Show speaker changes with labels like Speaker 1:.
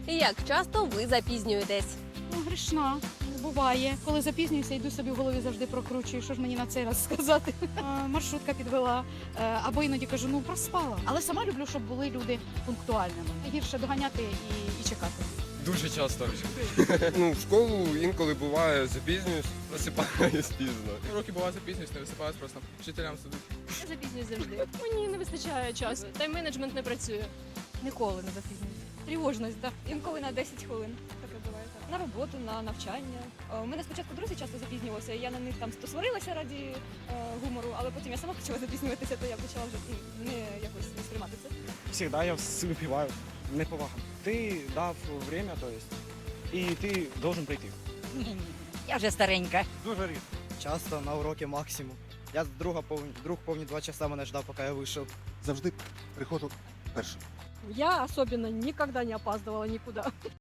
Speaker 1: Як часто ви запізнюєтесь?
Speaker 2: Ну, грішна. Буває. Коли запізнююся, йду собі в голові завжди прокручую, що ж мені на цей раз сказати. Маршрутка підвела. Або іноді кажу, ну проспала. Але сама люблю, щоб були люди пунктуальними. Гірше доганяти і чекати.
Speaker 3: Дуже часто.
Speaker 4: Ну, в школу інколи буває запізнююсь, просипаюсь пізно.
Speaker 3: Уроки буває запізнююсь, не висипаюсь просто. Вчителям сидить.
Speaker 5: Я запізнююсь завжди. Мені не вистачає часу. Тайм-менеджмент не працює.
Speaker 2: Ніколи не запізнююся. Тривожність, так.
Speaker 6: Інколи на 10 хвилин. Таке буває. Так. На роботу, на навчання. У мене спочатку друзі часто запізнювалися, і я на них там то сварилася раді гумору, але потім я сама почала запізнюватися, то я почала вже не якось не сприймати це.
Speaker 7: Всегда я выпиваю. Неповага. Ти дав время, то есть, і ти должен прийти.
Speaker 8: Я вже старенька.
Speaker 7: Дуже рідко.
Speaker 9: Часто на уроки максимум. Я друг повні 2 часа мене ждав, поки я вийшов.
Speaker 10: Завжди приходжу першим.
Speaker 5: Я особенно никогда не опаздывала никуда.